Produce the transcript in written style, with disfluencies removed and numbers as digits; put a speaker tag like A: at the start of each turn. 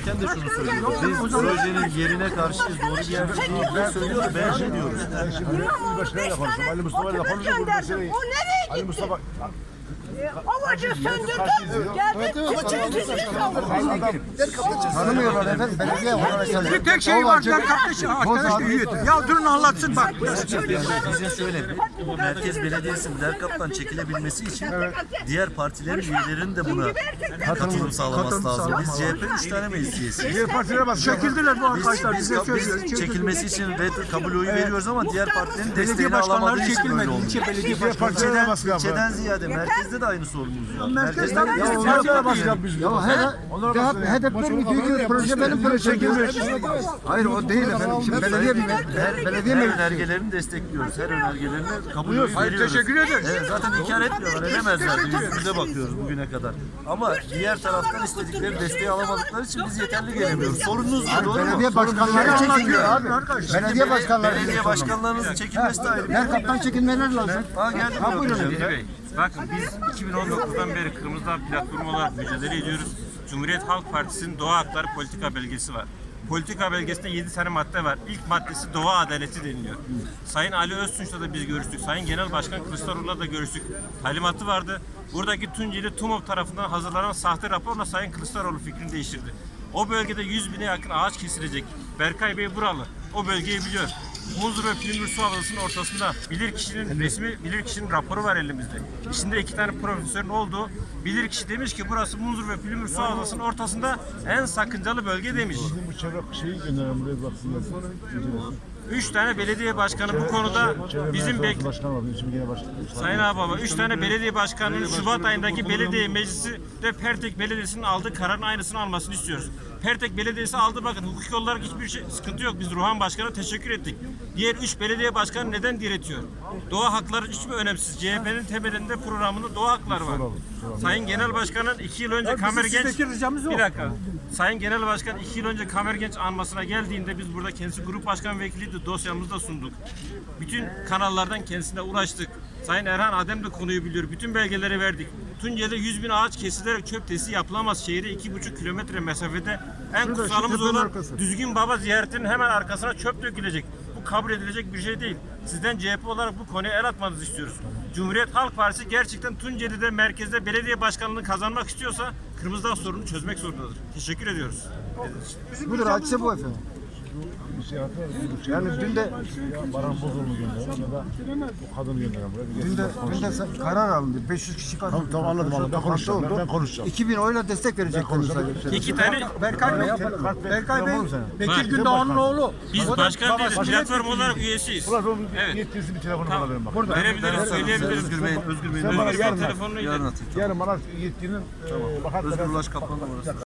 A: söylerken de şunu söylüyoruz. Biz projenin yerine karşıyız. Doğru bir yer değil. Ben söylüyorum, beğenmiyoruz.
B: İmamoğlu 5 tane otobüs gönderdim. O nereye gitti? Ovacı söndürdüm. Geldi Koçer'in
C: Tanımıyorlar efendim. Belediye olarak
D: Bir tek şey var. Arkadaş üyeydi. Ya durun anlatsın bak.
A: Bizim şöyle Merkez Belediyesi'nin Derkap'tan çekilebilmesi için diğer partilerin üyelerinin de buna katılım sağlaması lazım. Biz CHP 3 tane meclis üyesiyiz.
D: Diğer partilere bak. Çekildiler bu arkadaşlar.
A: Biz çekilmesi için kabul oyu veriyoruz ama diğer partilerin
D: Belediye
A: desteğini
D: başkanları
A: alamadığı için böyle
D: çekilmedi.
A: oldu.
D: İlçe belediye başkanları.
A: İlçeden ziyade merkezde de aynı sorunumuz var.
D: Merkezden
C: HDP'nin bir proje benim projem. Hayır o değil efendim. Şimdi belediye
A: Her önergelerini destekliyoruz. Her önergelerini kabul ediyoruz.
D: Hayır, teşekkür ederiz.
A: Evet, zaten inkar etmiyorlar. Edemezlerdi. Yüzümüze bakıyoruz bugüne kadar. Ama diğer taraftan istedikleri desteği alamadıkları için biz yeterli gelemiyoruz. Sorununuz bu, doğru mu?
C: belediye başkanları çekiliyor abi. Belediye başkanları.
A: Belediye başkanlarınızın çekilmesi de ayrı.
C: Derkap'tan çekilmeleri lazım.
A: Geldi
C: Ha buyurun.
E: Bey, bakın biz 2019'dan beri Kırmızı Dağ platformu olarak mücadele ediyoruz. Cumhuriyet Halk Partisi'nin doğa hakları politika belgesi var. Politika belgesinde 7 tane madde var. İlk maddesi doğa adaleti deniliyor. Sayın Ali Öztunç'la da biz görüştük. Sayın Genel Başkan Kılıçdaroğlu'la da görüştük. Talimatı vardı. Buradaki Tunceli TUMOP tarafından hazırlanan sahte raporla Sayın Kılıçdaroğlu fikrini değiştirdi. O bölgede 100 bine yakın ağaç kesilecek. Berkay Bey buralı. O bölgeyi biliyor. Muzur ve Pülümür Su Havzası'nın ortasında bilirkişinin raporu var elimizde. İçinde 2 tane profesörün olduğu bilirkişi demiş ki burası Muzur ve Pülümür Su Havzası'nın ortasında en sakıncalı bölge demiş.
B: Bu çevre şeyi gönderelim buraya baksınlar.
E: 3 tane belediye başkanı bu konuda bizim
B: Başkan var. Şimdi gene başkan.
E: Sayın Ağababa 3 tane belediye başkanının Şubat ayındaki belediye meclisi de Pertek Belediyesi'nin aldığı kararın aynısını almasını istiyoruz. Pertek Belediyesi aldı, bakın hukuki olarak hiçbir sıkıntı yok. Biz Ruhan Başkan'a teşekkür ettik. Diğer 3 belediye başkanı neden diretiyor? Doğa hakları hiç mi önemsiz? CHP'nin temelinde programında doğa hakları var. Sayın Genel Başkan'ın 2 yıl önce Kamergenç... Bir dakika. Sayın Genel Başkan 2 yıl önce Kamergenç anmasına geldiğinde biz burada kendisi grup başkan vekiliydi, dosyamızı da sunduk. Bütün kanallardan kendisine ulaştık. Sayın Erhan Adem de konuyu biliyor. Bütün belgeleri verdik. Tunceli'de 100 bin ağaç kesilerek çöp tesisi yapılamaz. Şehre 2,5 kilometre mesafede en kutsalımız olan Düzgün Baba ziyaretinin hemen arkasına çöp dökülecek. Bu kabul edilecek bir şey değil. Sizden CHP olarak bu konuya el atmanızı istiyoruz. Cumhuriyet Halk Partisi gerçekten Tunceli'de merkezde belediye başkanlığını kazanmak istiyorsa Kırmızı Dağ sorununu çözmek zorundadır. Teşekkür ediyoruz.
C: Budur hadise bu efendim. Yani dün de
B: Baran Bozul'u gönderelim ya da o kadını gönderelim buraya.
C: dün de karar alındı. 500 kişi katıldı.
B: Tamam anladım. Ben konuşacağım. Ben konuşacağım.
C: 2000 oyla destek verecekler.
E: 2 tane
D: Berkay Bey, Bekir Gündoğan'ın oğlu.
E: biz başkan değiliz. Platform olarak üyesiyiz.
B: Evet. Yetkilisi bir telefonu bana verin bak.
E: Verebiliriz, söyleyebiliriz.
A: Özgür Bey'in
E: Özgür Bey'in telefonunu
A: yarın atayım.
B: Yarın bana yetkinin
A: Özgür Ulaş Kaplan'la orası.